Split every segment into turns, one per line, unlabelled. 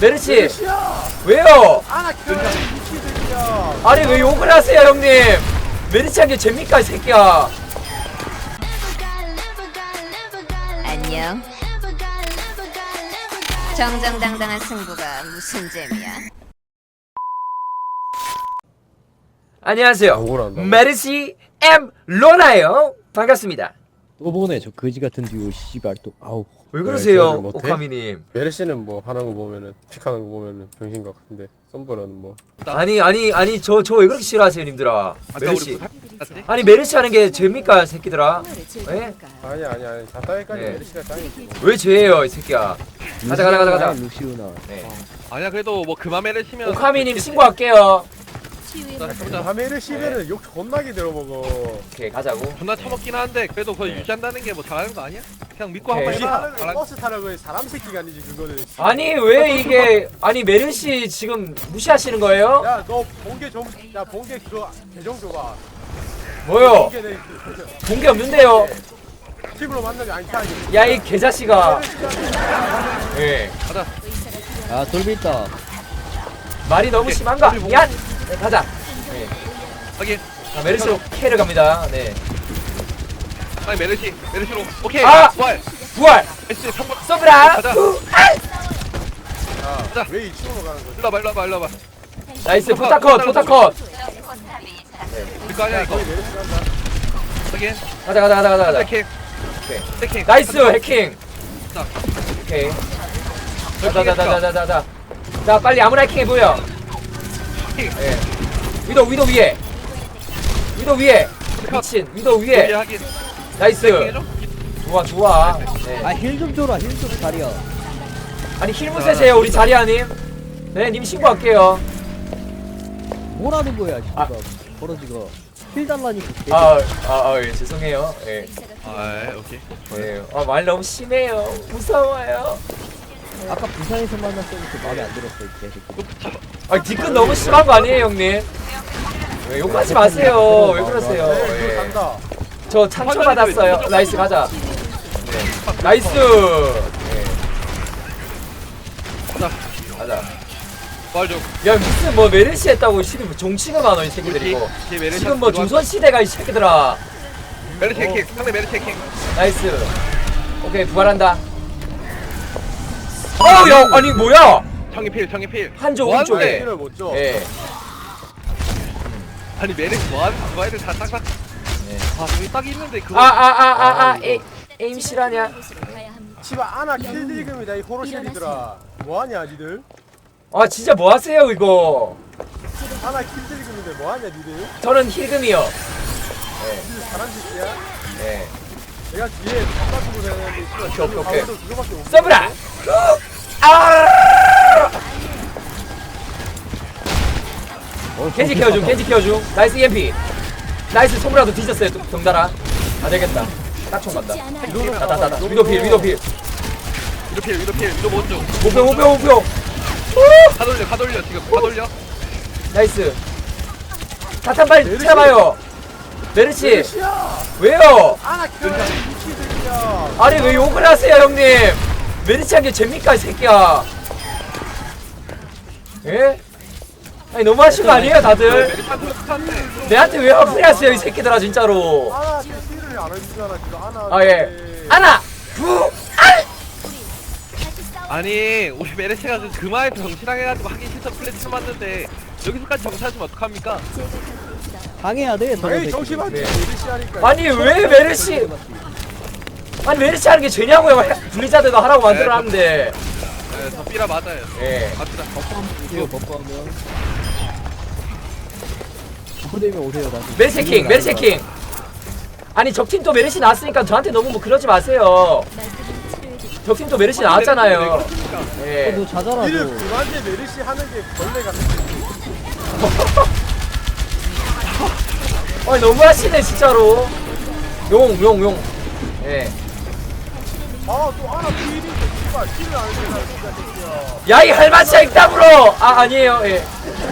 메르시
메르시야.
왜요?
아나 켜야 미치들이야.
아니 왜 욕을 하세요 형님? 메르시 한 게 재밌까 이 새끼야.
안녕. 정정당당한 승부가 무슨 재미야?
안녕하세요.
억울한다고?
메르시 M 로나요. 반갑습니다.
또 보네 저 거지 같은 듀오 씨발 또 아우.
왜 그러세요
저를 못해?
오카미님?
메르시는 뭐 하는 거 보면은 픽하는 거 보면은 병신 것 같은데 썸브라는 뭐.
아니 저 왜 그렇게 싫어하세요 님들아? 메르시.
우리
아니 메르시 하는 게 재밌까 새끼들아? 예?
아니 자타이까지
네.
메르시가 짱이지.
왜 죄예요 이 새끼야? 가자.
루시우나.
네.
아니야 그래도 뭐 그맘에를 치면
오카미님 신고할게요.
다 메르시면은 욕 존나게 들어먹어.
오케이 가자고.
존나 처먹긴 한데 그래도 그거
네.
유지한다는 게 뭐 잘하는 거 아니야? 그냥 믿고
오케이.
한번 해봐.
타는 거 버스 타라고 해. 사람 새끼가 아니지 그거는.
아니 왜 이게 아니 메르시 지금 무시하시는 거예요?
야 너 본계 야 본계 그거 계정 줘봐.
뭐요?
본계 내
본 게 없는데요.
팀으로 만나면 안 타지.
야 이 개자식아. 예.
가자.
아 돌비 있다.
말이 너무 심한가? 미안. 네, 가자. 네.
확인.
자, 메르시로 K를 갑니다. 네.
아니 메르시로. 오케이.
아!
부활.
부활.
S 성공.
서브라.
가자.
야, 왜 2층으로 가는 거지?
일로 와봐.
나이스 포타컷.
그거 아니야 이거.
거기 메르시 간다.
확인.
가자.
해킹.
오케이.
해킹.
나이스 해킹.
자.
오케이. 자자자자자자. 자 빨리 아무나 해킹해 보여.
해킹.
예. 위도 위에. 미친 위도
여기
위에.
확인.
나이스.
해킹해줘.
좋아. 네.
아 힐 좀 줘라 힐 좀 자리야.
아니 힐무세세요 우리 자리아님. 네, 님 신고할게요.
뭐라는 거야
아.
씨발. 벌어지가. 힐 달라니까.
예, 죄송해요. 예.
아 오케이.
예. 말 너무 심해요. 무서워요.
아까 부산에서 만났으니까 마음에 안 들었어 이 개새끼.
뒤끝 너무 심한 거 아니에요, 형님? 왜 욕하지 마세요. 왜 그러세요?
네,
예.
간다.
저 상처 받았어요. 나이스 가자. 네. 나이스. 예. 가자.
부활 좀.
야 무슨 뭐 메르시 했다고 시리 뭐 종치가 많아 이 새끼들 이거.
뒤에 메르시
지금 뭐 조선 시대가 이 새끼들아.
메르시 해킹. 상대 메르시 해킹.
나이스. 오케이 부활한다. 야 아니 뭐야?
정의 필.
한조
뭐
오른쪽에.
하는데?
힐을 못 줘.
예.
아니 메르시 뭐하는 그거 애들 다 딱딱.
네.
아 여기 딱 있는데 그거.
에임 실하냐?
씨발 아나 킬딜금이다 이 호로실이들아. 뭐하냐 니들?
아 진짜 뭐 하세요 이거?
아나 킬딜금인데 뭐하냐 니들?
저는 힐금이요.
니들 사람 새끼야?
네.
내가 뒤에 바꿔주고 되는데 씨발
오케이.
가만도 그거밖에 없어.
서브라. 겐지 키워줌. 나이스 EMP. 나이스 소무라도 뒤졌어요 동달아. 안 되겠다. 딱총 간다. 따따따. 위도필.
위도 먼저.
목표.
가 돌려 지금 가 돌려.
나이스. 사탄 빨리 찾아봐요. 메르시.
메르시야!
왜요?
아나 켜야 미치들이야.
아니 왜 욕을 하세요 형님? 메르시 한 게 재밌까 이 새끼야? 예? 아니 너무하신 거 아니에요 다들?
메르시 한테.
내한테 왜 화풀이 하세요 이 새끼들아 진짜로.
아나 킬을 안 해주잖아 지금 아나.
아 예. 아나 부알.
아니 우리 메르시가 그만해서 정신하게가지고 하기 싫어 플래티넘 맞는데 여기서까지 정신하시면 어떡합니까?
당해야 돼.
에이 정신만
네.
메르시 하니까.
아니 왜 메르시? 아니 메르시 하는 게 죄냐고요? 블리자드가 하라고 만들어놨는데.
네, 저 삐라 맞아요.
예.
갑시다.
이거 버퍼하면. 버퍼되면 오세요 나중에.
메르시 해킹. 아니 적팀 또 메르시 나왔으니까 저한테 너무 뭐 그러지 마세요. 적팀 또 메르시 나왔잖아요. 예.
너 자자라
니들
너.
그만데 메르시 하는 게 벌레 같은.
아니 너무하시네 진짜로. 용. 예.
아또 아나 킬인데 씨발 킬을 안 해주잖아 진짜 새끼야.
야이 할마치야 익담으로. 아니에요. 예.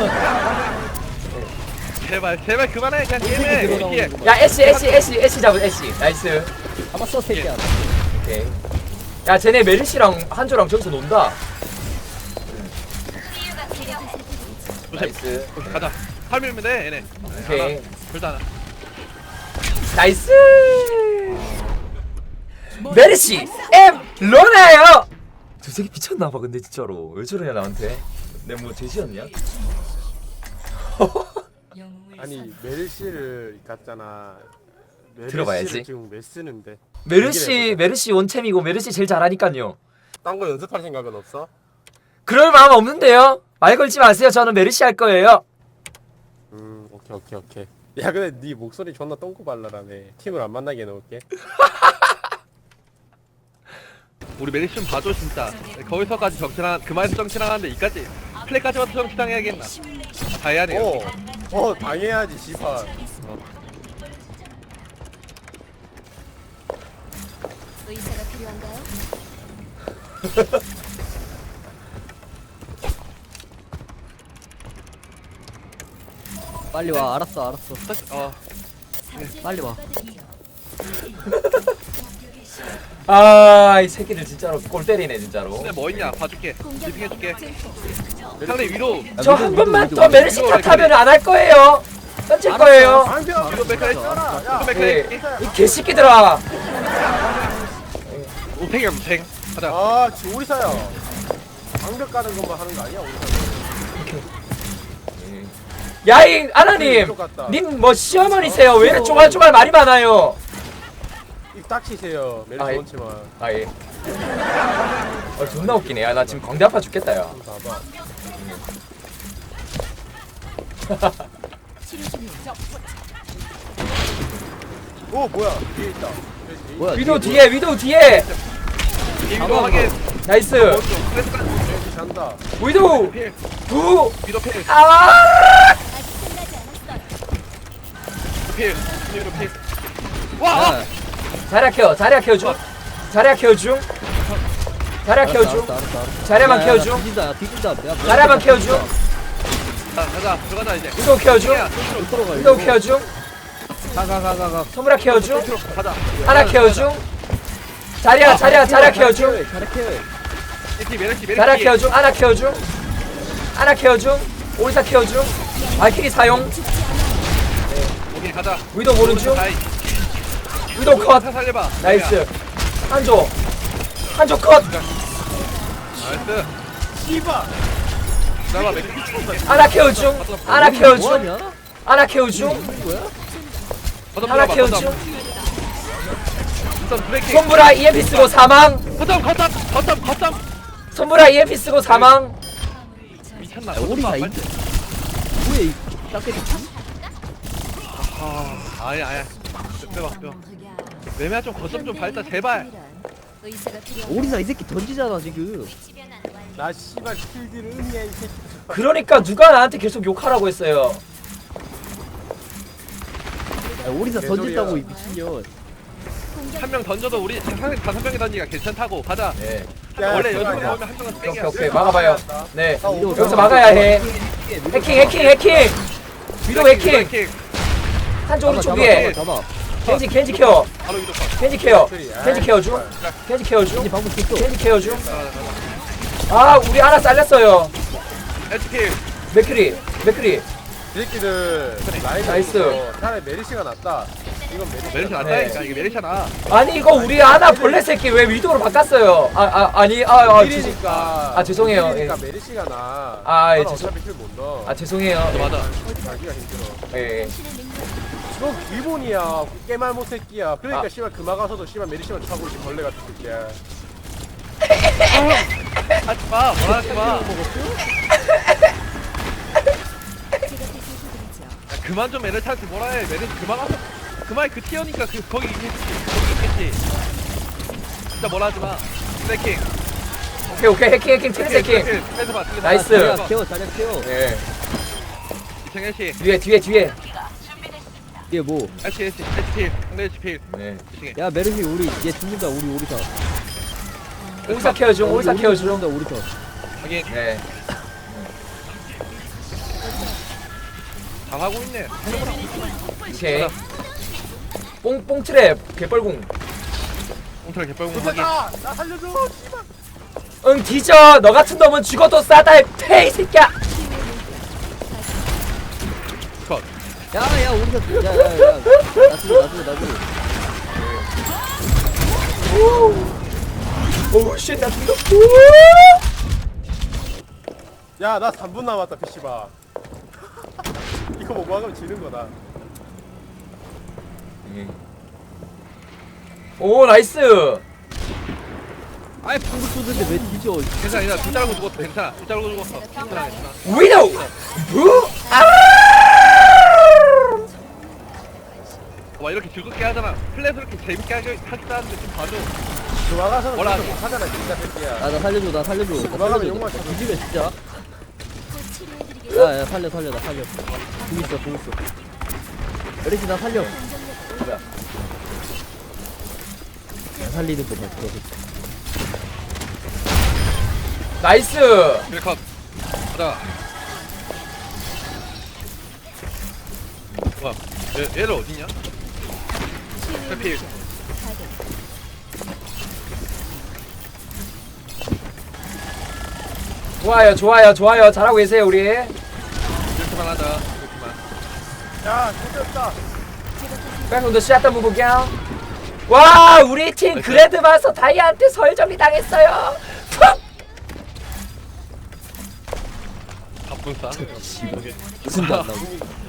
제발 그만해 그냥 게임해. 이렇게.
야 애쉬 잡은 애쉬. 나이스.
잡았어 새끼야.
오케이. 야 쟤네 메르시랑 한조랑 저기서 논다. 나이스.
가자. 팔밀면 돼 얘네.
오케이.
둘다 하나.
나이스. 메르시 M 로나요. 저 새끼 미쳤나봐 근데 진짜로 왜 저러냐 나한테. 내 뭐 돼지였냐?
아니 메르시를 갔잖아.
들어봐야지.
지금 왜 쓰는데?
메르시 원챔이고 메르시 제일 잘하니까요.
딴 거 연습할 생각은 없어?
그럴 마음 없는데요. 말 걸지 마세요. 저는 메르시 할 거예요.
오케이. 야 근데 네 목소리 존나 똥꼬 발랄하네. 팀을 안 만나게 해놓을게.
우리 메리시 좀 봐줘 진짜. 거기서까지 정치랑 그만해서 정치랑하는데 이까지 플레이까지만 정치랑해야겠나? 다 해야 돼요.
당해야지 씨발.
의사가 필요한가요?
빨리 와. 알았어. 빨리 와.
아, 이 새끼들 진짜로 골 때리네 진짜로.
근데 뭐 있냐? 봐줄게. 리딩해줄게. 상대 위로.
저 한 번만 더 메르시 탓하면 안 할 거예요. 던질 거예요.
방벽.
위로 백카리.
야.
위로
네,
백카리.
이 개새끼들아.
우팽이야 우팽. 가자.
아 지금 오리사야. 방벽 가는 것만 하는 거 아니야 오리사?
야이 아나님, 님 뭐 시어머니세요? 왜 이렇게 쪼갈쪼갈 말이 많아요?
입 닥치세요. 메르시
아, 예.
원치만.
아 예. 존나 웃기네. 야, 나 지금 광대 아파 죽겠다 야.
봐봐. 오 뭐야? 뒤에 있다.
뭐야?
위도 뒤에, 위도 뒤에.
위로 하게.
나이스.
메르시 잔다.
위도
필.
두.
위로 필.
아!
필. 위로 필. 와.
야,
자리야 케어, 자리야 케어 중. 자리야 케어 중. 자리야 케어 중. 자리야만 케어 중.
뒤진다. 야, 뒤진다. 야,
자리야만 케어 중.
가자. 들어가자 이제.
위도 케어 중.
들어가.
위도 케어 중.
가.
소무라 케어 중.
가자.
하나 케어 중. 자리야 케어 중.
잘해.
메르시.
자리야 케어 중. 하나 케어 중. 하나 케어 중. 오리사 케어 중. 발키리 사용.
오케이 가자.
위도 보는 중.
나이.
위도 컷.
살려봐.
나이스. 한조. 한조 컷.
나이스.
씨발.
나봐 맥.
하나 케어 중. 하나 케어 중.
뭐하냐?
하나 케어 중.
뭐야?
하나 케어 중.
우선 브레이킹.
손브라 EMP 쓰고 사망.
거점.
손브라 EMP 쓰고 사망.
미쳤나?
야, 오리사
거점
이-
빨리.
뭐야 이 짝깨리?
아야. 빼봐. 매매야 좀 거점 좀 밟자 제발.
의사가 필요한
오리사 이 새끼 던지잖아 지금.
나 씨발 킬딜 은이야 이 새끼.
그러니까 누가 나한테 계속 욕하라고 했어요.
야, 오리사
개소리야.
던진다고 이 미친년.
한 명 던져도 우리 상대 5명이 던지기가 괜찮다고 가자.
네.
야,
원래
씨발,
연습
야.
보면 한 명은
오케이
땡이야.
오케이 막아봐요. 네.
위도
여기서 막아야 해. 해킹. 위도 해킹.
브레이킹.
한조 오른쪽 위에.
잡아.
켄지 케어.
바로 위로 가.
켄지 케어 중. 켄지 케어 중.
이제 방금 됐어.
켄지 케어 중. 아 우리 하나 잘렸어요.
에스킬.
맥크리.
이 새끼들 라인
나이스.
없어서 차라리 메르시가 낫다. 이건 메르시가
메리시
낫다.
낫다니까 이게 메리시잖아.
아니 이거 우리 하나 벌레 새끼 왜 위도로 바꿨어요? 아니
킬이니까.
죄송해요.
킬이니까
예.
메르시가 나.
아, 예,
어차피 킬못 넣어.
죄송해요.
맞아.
자기가 힘들어.
예.
너 기본이야. 깨말못 새끼야. 그러니까
아.
씨발 그마 가서도 씨발 메르시만 차고 있지 벌레 같은 새끼야.
하지마. 뭐라 하지마. 그만 좀 메르시한테 뭐라 해. 메르시 그만 가서 그만 그 티어니까 거기 있겠지. 진짜 뭐라 하지마. 브레이킹.
오케이 해킹 트레스 해킹.
뺏어봐.
나이스.
자리야 케어.
예.
이창현 씨.
뒤에.
이게 뭐?
SPil. 상대 SPil.
네.
야 메르시 우리 얘 죽는다. 우리 오리사.
오리사 케어 중.
죽는다 오리사.
확인.
네.
다 하고 있네.
오케이. 뽕 트랩 개뻘궁.
옹털 개뻘공 확인.
도착아! 나 살려줘! 씨발!
응 뒤져. 너 같은 놈은 죽어도 싸다. 페이 새끼야.
야야 우리가 야야야 나도
오우 쉣, 나 죽어.
야, 나 3분 남았다, PC방. 이거 못 막으면 지는 거다.
오 나이스.
아이
한국 쏘는데 왜 뒤져?
괜찮아 둘 자르고 죽었어 괜찮아 둘 자르고 죽었어 괜찮아
위도우. 부. 아.
와 이렇게 즐겁게 하잖아 플레이도 이렇게 재밌게 하기도 하는데 좀 봐줘
그 막아서는
뭐라
그렇게 못하잖아, 진짜 새끼야.
나 살려줘 나
도망가면 욕만 쳐줘.
뒤지면 진짜.
곧 치료해드리겠습니다.
야야 살려 나 살려. 공 있어. 메르시 나 살려.
뭐야?
나 살리는 거 봐.
나이스.
힐컷 가자 와 얘를 어딨냐? 해필
좋아요. 잘하고 계세요 우리.
이렇게만 하자 이렇게만
야, 좋겠다.
백홈도 샷다 무구경. 와 우리 팀 그래드 마서 다이아한테 설정리 당했어요.
갑분싸
무슨 도 안 나고.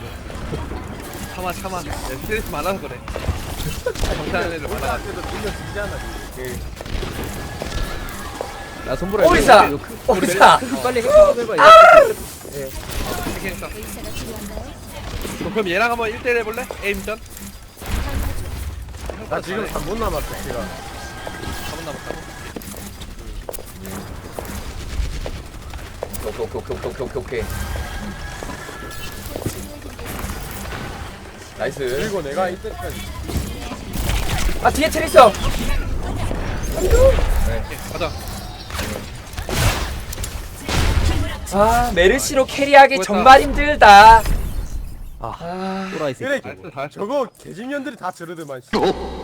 참아 야, 스트레스 많아서 그래 정치하는 애들 많아
그래도 분명 지잖아.
야 손보라.
오리사.
빨리 해봐.
괜찮아
의사가 필요한가요?
그럼 얘랑 한번 1대1 해볼래? 에임전?
나 지금 3분 남았어, 지금.
4분 남았다고?
오케이. 나이스.
그리고 내가 이때까지
아 뒤에 트리 있어.
오케이 가자
아 메르시로 캐리하기
수고했다.
정말 힘들다. 아
또라이 새끼.
그래,
나이스 다 했어
저거 개집년들이 다 저러더만. 씨.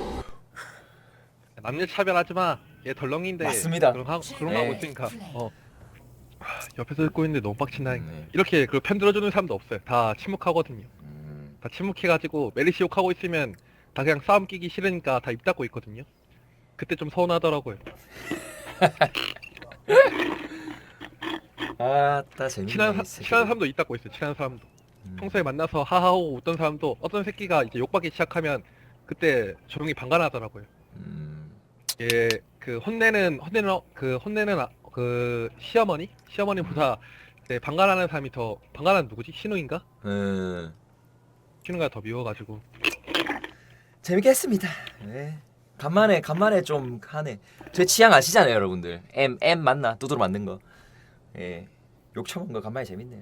남녀 차별하지마 얘 덜렁인데
맞습니다.
그런 거
네.
하고 있으니까 옆에서 듣고 있는데 너무 빡친다
네.
이렇게 그 편 들어주는 사람도 없어요 다 침묵하거든요 다 침묵해가지고 메리시 욕하고 있으면 다 그냥 싸움 끼기 싫으니까 다 입 닫고 있거든요 그때 좀 서운하더라고요
아따 재밌네.
친한 사람도 입 닫고 있어요 친한 사람도 평소에 만나서 하하호 웃던 사람도 어떤 새끼가 이제 욕받기 시작하면 그때 조용히 방관하더라고요 예, 그 혼내는 시어머니보다 네, 방관하는 사람이 더 방관하는 누구지? 신우인가? 신우가 더 미워가지고
재밌게 했습니다. 네. 간만에 좀 하네. 제 취향 아시잖아요, 여러분들. M 맞나? 두드러 만든 거. 예. 욕 처먹은 거 간만에 재밌네요.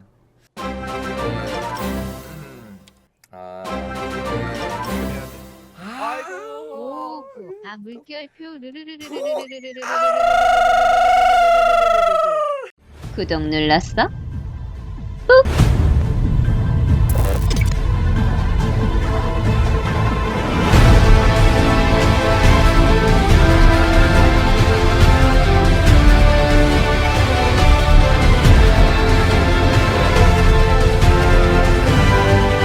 아 물결표 구독 눌렀어? 꾹!